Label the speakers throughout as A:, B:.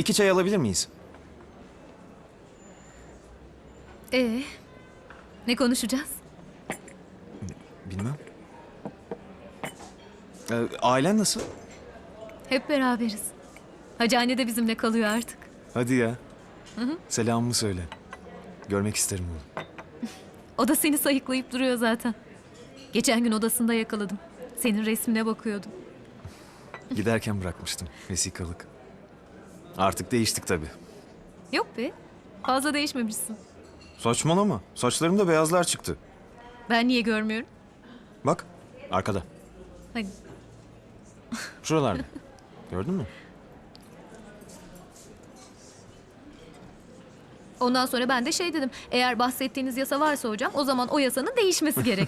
A: 2 çay alabilir miyiz?
B: Ne konuşacağız?
A: Bilmem. Ailen nasıl?
B: Hep beraberiz. Hacı anne de bizimle kalıyor artık.
A: Hadi ya. Selamımı söyle. Görmek isterim onu.
B: O da seni sayıklayıp duruyor zaten. Geçen gün odasında yakaladım. Senin resmine bakıyordum.
A: Giderken bırakmıştım vesikalık. Artık değiştik tabii.
B: Yok be. Fazla değişmemişsin.
A: Saçmalama. Saçlarımda beyazlar çıktı.
B: Ben niye görmüyorum?
A: Bak arkada.
B: Hani
A: Şuralarda. Gördün mü?
B: ondan sonra ben de şey dedim. Eğer bahsettiğiniz yasa varsa hocam o zaman o yasanın değişmesi gerek.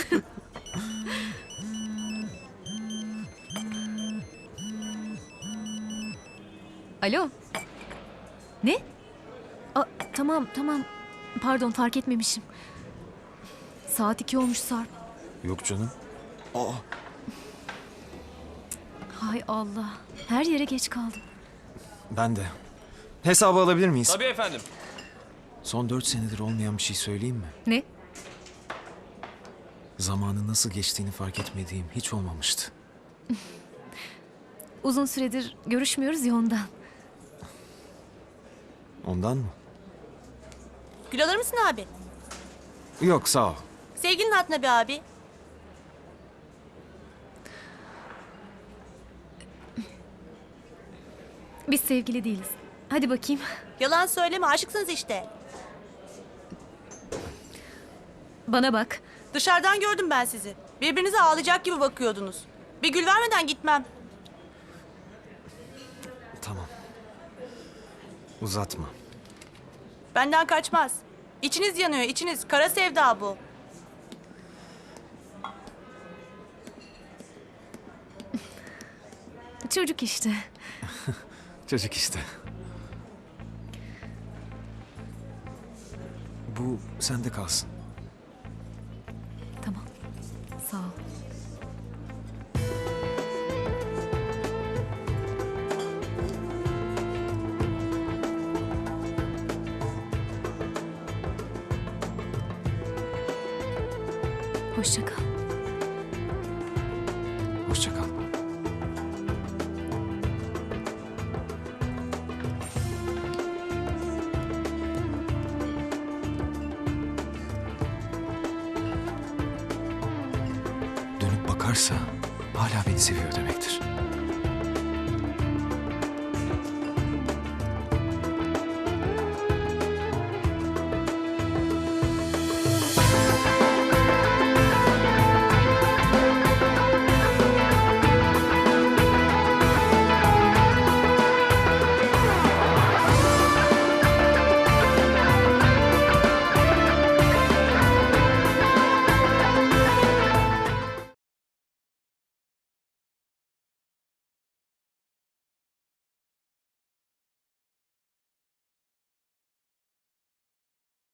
B: Alo. Ne? Tamam. Pardon fark etmemişim. Saat 2 olmuş Sarp.
A: Yok canım. Aa,
B: Hay Allah. Her yere geç kaldım.
A: ben de. Hesabı alabilir miyiz?
C: Tabii efendim.
A: Son 4 senedir olmayan bir şey söyleyeyim mi?
B: Ne?
A: Zamanın nasıl geçtiğini fark etmediğim hiç olmamıştı.
B: Uzun süredir görüşmüyoruz ya ondan.
A: Ondan mı?
D: Gül alır mısın abi?
A: Yok sağ ol.
D: Sevgilinin hatına bir abi.
B: Biz sevgili değiliz. Hadi bakayım.
D: Yalan söyleme, aşıksınız işte.
B: Bana bak.
D: Dışarıdan gördüm ben sizi. Birbirinize ağlayacak gibi bakıyordunuz. Bir gül vermeden gitmem.
A: Tamam. Uzatma.
D: Benden kaçmaz. İçiniz yanıyor, içiniz. Kara sevda bu.
B: Çocuk işte.
A: Çocuk işte. Bu sende kalsın.
B: Tamam. Sağ ol. Hoşça kal.
A: Hoşça kal. Dönüp bakarsa hala beni seviyor demektir.